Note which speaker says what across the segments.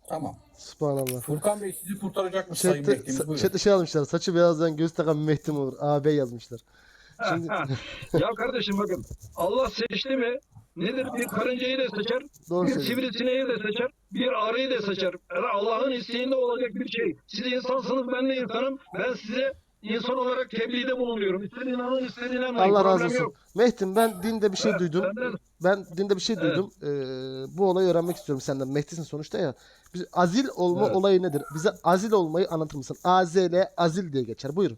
Speaker 1: Tamam.
Speaker 2: Subhanallah.
Speaker 1: Furkan Bey sizi kurtaracakmış Sayın Mehdi'miz. Buyurun.
Speaker 2: Chat'te şey almışlar. Saçı beyazdan göz takan Mehdi mi olur? AB yazmışlar. Şimdi
Speaker 3: Ya kardeşim bakın, Allah seçti mi nedir? Bir karıncayı da seçer,
Speaker 2: doğru
Speaker 3: bir
Speaker 2: söylüyorsun.
Speaker 3: sivrisineği de seçer, bir arıyı da seçer. Yani Allah'ın isteğinde olacak bir şey. Siz insansınız, ben de insanım. Ben size insan olarak tebliğde bulunuyorum. İster inanın, ister inanmayın.
Speaker 2: Allah razı
Speaker 3: Problem
Speaker 2: olsun.
Speaker 3: yok.
Speaker 2: Mehdim ben dinde bir şey duydum.
Speaker 3: Benden,
Speaker 2: Ben dinde bir şey
Speaker 3: evet,
Speaker 2: duydum. Bu olayı öğrenmek istiyorum senden. Mehdi'sin sonuçta ya. Biz, azil olma
Speaker 3: evet.
Speaker 2: olayı nedir? Bize azil olmayı anlatır mısın? AZL azil diye geçer. Buyurun.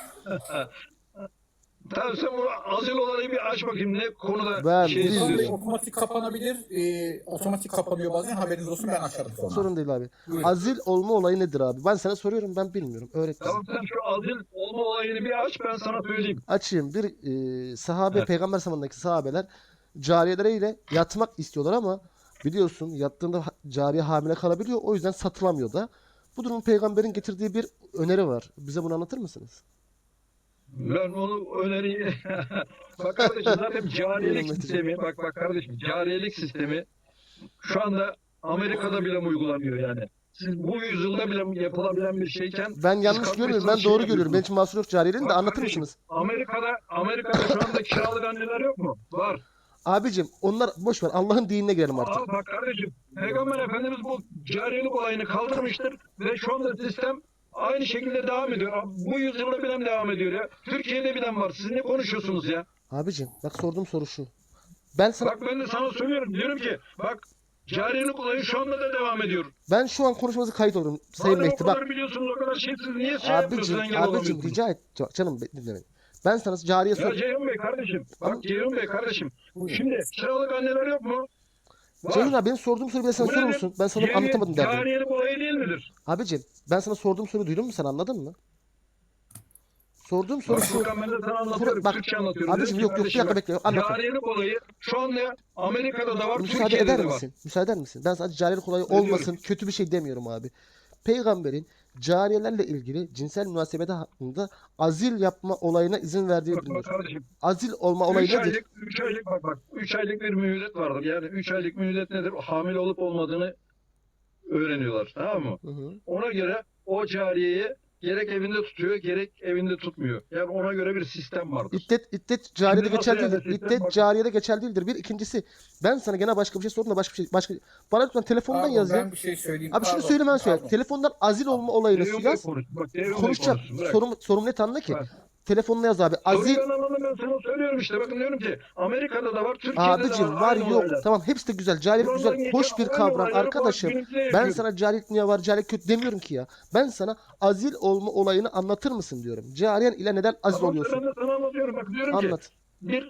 Speaker 3: Tamam, sen bunu azil olayı bir aç bakayım, ne konuda
Speaker 2: Ben
Speaker 3: şey
Speaker 1: Furkan Bey
Speaker 2: bilmiyorum.
Speaker 3: istiyorsun.
Speaker 1: otomatik kapanabilir. Otomatik kapanıyor bazen. Haberiniz olsun, ben açarım sonra.
Speaker 2: Sorun değil abi.
Speaker 1: Buyurun.
Speaker 2: Azil olma olayı nedir abi? Ben sana soruyorum, ben bilmiyorum. Öğret bize.
Speaker 3: Tamam, sen şu azil olma olayını bir aç, ben sana söyleyeyim.
Speaker 2: Açayım. Bir sahabe,
Speaker 3: Evet.
Speaker 2: peygamber zamanındaki sahabeler cariyeleriyle yatmak istiyorlar ama biliyorsun yattığında cariye hamile kalabiliyor. O yüzden satılamıyor da. Bu durumun peygamberin getirdiği bir öneri var. Bize bunu anlatır mısınız?
Speaker 3: Ben onu öneriyi bak kardeşim, zaten cariyelik
Speaker 2: Buyurun Metin'ciğim.
Speaker 3: sistemi, bak kardeşim, cariyelik sistemi şu anda Amerika'da bile mi uygulanıyor yani? Siz bu yüzyılda bile yapılabilen bir şeyken
Speaker 2: Ben
Speaker 3: siz
Speaker 2: yanlış görmüyorum.
Speaker 3: kalkmışsınız
Speaker 2: Ben
Speaker 3: şey
Speaker 2: doğru görüyorum. Benim
Speaker 3: yapıyorsunuz.
Speaker 2: için mahsur yok cariyeliğin de
Speaker 3: Bak
Speaker 2: anlatır
Speaker 3: kardeşim,
Speaker 2: mısınız?
Speaker 3: Amerika'da şu anda kiralık anneler yok mu? Var.
Speaker 2: Abicim onlar boş ver. Allah'ın dinine girelim artık.
Speaker 3: Bak kardeşim, Peygamber Efendimiz bu cariyelik olayını kaldırmıştır ve şu anda sistem aynı şekilde devam ediyor. Bu yüzyılda bile devam ediyor ya. Türkiye'de bile var. Siz ne konuşuyorsunuz ya?
Speaker 2: Abicim bak sorduğum soru şu. Ben sana
Speaker 3: Bak ben de sana söylüyorum. Diyorum ki bak, cariyelik olayı şu anda da devam ediyor.
Speaker 2: ben şu an konuşmanızı kayıt olurum Sayın
Speaker 3: Madem o
Speaker 2: Mehdi. Bak
Speaker 3: kadar biliyorsunuz, o kadar şeysiz, niye şey yapmıyorsun, engel
Speaker 2: abicim
Speaker 3: olamıyorsunuz?
Speaker 2: rica et. Canım dinle beni. Ben sana cariye
Speaker 3: Ya
Speaker 2: sor.
Speaker 3: Ceyhun Bey kardeşim.
Speaker 2: Ama
Speaker 3: Bak Ceyhun Bey kardeşim.
Speaker 1: Buyurun.
Speaker 3: Şimdi kiralık anneler yok mu?
Speaker 2: Ceyhun
Speaker 3: Var.
Speaker 2: abi benim sorduğum soruyu bir de sen
Speaker 3: Bu
Speaker 2: sorur
Speaker 3: nedir?
Speaker 2: musun? Ben sana anlatamadım derdim.
Speaker 3: Cariyelik olayı değil midir?
Speaker 2: Abicim ben sana sorduğum soruyu duydun mu, sen anladın mı? Sorduğum soru
Speaker 3: Bak
Speaker 2: şu.
Speaker 3: Furkan, ben de sana anlatıyorum.
Speaker 2: Bak
Speaker 3: Türkçe anlatıyorum.
Speaker 2: abicim
Speaker 3: Diyorum ki
Speaker 2: yok bir
Speaker 3: kardeşim
Speaker 2: dakika
Speaker 3: bak,
Speaker 2: bekle anlatma.
Speaker 3: cariyelik olayı şu anda Amerika'da da var,
Speaker 2: Müsaade
Speaker 3: Türkiye'de
Speaker 2: eder
Speaker 3: de var.
Speaker 2: misin? Müsaade eder misin? Ben sadece cariyelik olayı
Speaker 3: Ediyorum.
Speaker 2: olmasın, kötü bir şey demiyorum abi. Peygamberin cariyelerle ilgili cinsel münasebete hakkında azil yapma olayına izin verdiği
Speaker 3: Bak
Speaker 2: bilinir.
Speaker 3: kardeşim.
Speaker 2: Azil olma olayı
Speaker 3: 3
Speaker 2: nedir?
Speaker 3: aylık, 3 aylık bak 3 aylık bir mühlet vardır. Yani 3 aylık mühlet nedir? Hamile olup olmadığını öğreniyorlar. Tamam mı?
Speaker 2: Hı hı.
Speaker 3: Ona göre o cariyeyi gerek evinde tutuyor, gerek evinde tutmuyor. Yani ona göre bir sistem vardır.
Speaker 2: İddet cariyede
Speaker 3: Şimdi
Speaker 2: geçerli
Speaker 3: nasıl
Speaker 2: değildir.
Speaker 3: yani sistem?
Speaker 2: İddet
Speaker 3: Bak,
Speaker 2: cariyede geçerli değildir. Bir ikincisi ben sana gene başka bir şey sordum da başka bana lütfen telefondan
Speaker 1: Pardon,
Speaker 2: yaz ya.
Speaker 1: ben bir şey söyleyeyim.
Speaker 2: Abi şunu
Speaker 1: Pardon,
Speaker 2: söyle ben söyle.
Speaker 1: pardon.
Speaker 2: Telefondan azil olma olayını
Speaker 3: Ceyhun Bey
Speaker 2: yaz.
Speaker 3: konuş. Bak Ceyhun Bey
Speaker 2: Konuşacağım.
Speaker 3: konuşsun. Bırak.
Speaker 2: Sorum net anla ki.
Speaker 3: Bak.
Speaker 2: Telefonla yaz abi.
Speaker 3: Soruyu
Speaker 2: Azil
Speaker 3: ben anladım, ben sana söylüyorum işte. Bakın diyorum ki Amerika'da da var, Türkiye'de de
Speaker 2: abicim
Speaker 3: var.
Speaker 2: var
Speaker 3: Aynı
Speaker 2: yok.
Speaker 3: olaylar.
Speaker 2: Tamam hepsi de güzel. Cariyelik güzel.
Speaker 3: Buradan
Speaker 2: Hoş
Speaker 3: geçen
Speaker 2: bir
Speaker 3: aynı
Speaker 2: kavram
Speaker 3: olayları bu
Speaker 2: arkadaşım.
Speaker 3: günümüzde
Speaker 2: Ben
Speaker 3: yaşıyoruz.
Speaker 2: sana cariyelik niye var, cariyelik kötü demiyorum ki ya. Ben sana azil olma olayını anlatır mısın diyorum. Cariyen ile neden azil
Speaker 3: Tamam,
Speaker 2: oluyorsun?
Speaker 3: ben de sana anlatıyorum. Bak diyorum ki
Speaker 2: Anlat.
Speaker 3: bir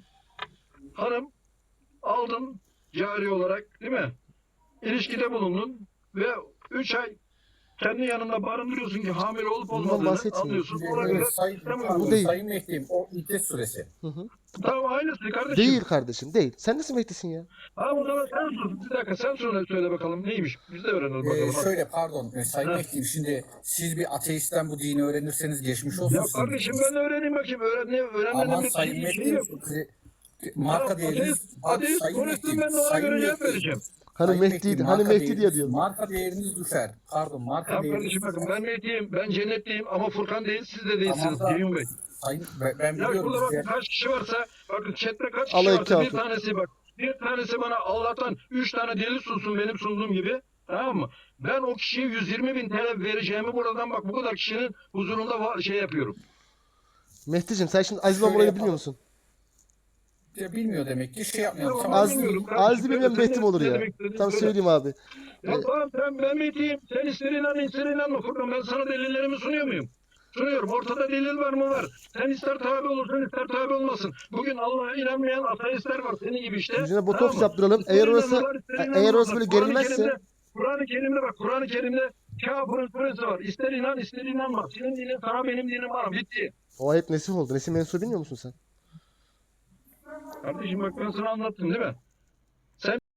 Speaker 3: hanım aldın cari olarak, değil mi? İlişkide bulundun ve 3 ay kendi yanında barındırıyorsun ki hamile olup
Speaker 2: Bundan
Speaker 3: olmadığını
Speaker 2: bahsetmiyorum.
Speaker 3: anlıyorsun. Ona göre
Speaker 1: Sayın,
Speaker 3: sistem
Speaker 1: pardon,
Speaker 2: Bu değil.
Speaker 1: Sayın Mehdi'yim, o iddet süresi.
Speaker 2: Hı hı.
Speaker 3: Tamam, aynısı kardeşim.
Speaker 2: Değil kardeşim değil. Sen nasıl Mehdi'sin ya?
Speaker 3: Tamam, o zaman sen sor. Bir dakika, sen söyle bakalım neymiş. Biz de öğrenelim bakalım. Hadi.
Speaker 1: Şöyle pardon, Sayın
Speaker 3: Ha.
Speaker 1: Mehdi'yim, şimdi siz bir ateistten bu dini öğrenirseniz geçmiş olsun.
Speaker 3: Ya
Speaker 1: sizin
Speaker 3: kardeşim,
Speaker 1: için.
Speaker 3: ben de öğreneyim bakayım. Öğrenmenin
Speaker 1: Aman
Speaker 3: bir
Speaker 1: Sayın
Speaker 3: şey
Speaker 1: Mehdi'yim,
Speaker 3: yok.
Speaker 1: marka
Speaker 3: Tamam,
Speaker 1: değeriniz,
Speaker 3: ateist
Speaker 1: Sayın
Speaker 3: konuşsun,
Speaker 1: Mehdi'yim,
Speaker 3: ben de ona
Speaker 1: Sayın
Speaker 3: göre cevap
Speaker 1: Mehdi'yim.
Speaker 3: vereceğim.
Speaker 2: Hani
Speaker 1: Sayın
Speaker 2: Mehdi,
Speaker 1: Mehdi'yim,
Speaker 2: hani
Speaker 1: marka
Speaker 2: Mehdi diye
Speaker 1: değeriniz,
Speaker 2: diyor.
Speaker 1: marka değeriniz düşer. Pardon, marka
Speaker 3: Tamam
Speaker 1: değeriniz.
Speaker 3: kardeşim, bakın ben Mehdi'yim, ben cennetliyim ama Furkan değil, siz de değilsiniz
Speaker 1: Tamam da
Speaker 3: Ceyhun Bey.
Speaker 1: Sayın, ben
Speaker 3: Ya
Speaker 1: biliyorum
Speaker 3: şurada bakın
Speaker 1: size.
Speaker 3: kaç kişi varsa, bakın chatte kaç kişi
Speaker 2: Alayı
Speaker 3: varsa bir
Speaker 2: kafir.
Speaker 3: tanesi bak. Bir tanesi bana Allah'tan 3 tane delil sunsun benim sunduğum gibi. Tamam mı? Ben o kişiye 120.000 TL vereceğimi buradan bak bu kadar kişinin huzurunda şey yapıyorum.
Speaker 2: Mehdi'cim sen şimdi azil olma
Speaker 1: Şöyle
Speaker 2: olayını
Speaker 1: yapalım.
Speaker 2: bilmiyor musun?
Speaker 1: Ya bilmiyor demek ki, şey yapmıyorum.
Speaker 3: Tamam,
Speaker 1: Tamam.
Speaker 3: ben bilmiyorum.
Speaker 2: Azil bilmeyen
Speaker 3: Sen
Speaker 2: Mehdi mi olur
Speaker 3: ne
Speaker 2: ya?
Speaker 3: demek istediğini
Speaker 2: Tam
Speaker 3: söyle.
Speaker 2: söyleyeyim abi.
Speaker 3: Ya tamam, ben Mehdi'yim. Sen ister inan ister inanma Furkan. Ben sana delillerimi sunuyor muyum? Sunuyorum. Ortada delil var mı? Var. Sen ister tabi olursun ister tabi olmasın. Bugün Allah'a inanmayan ateistler var. Senin gibi işte.
Speaker 2: Yüzüne botoks
Speaker 3: mı?
Speaker 2: yaptıralım.
Speaker 3: İster
Speaker 2: Eğer orası
Speaker 3: inanırlar, ister
Speaker 2: eğer
Speaker 3: inanmazlar.
Speaker 2: orası böyle
Speaker 3: Kur'an-ı
Speaker 2: gerilmezse
Speaker 3: Kerim'de, Kur'an-ı Kerim'de bak. Kur'an-ı Kerim'de kafirin suresi var. İster inan ister inanma. Senin dinin sana, benim dinim bana. Bitti.
Speaker 2: o ayet nesih oldu. Nesih mensubu bilmiyor musun sen?
Speaker 3: Kardeşim bak, ben sana anlattım değil mi?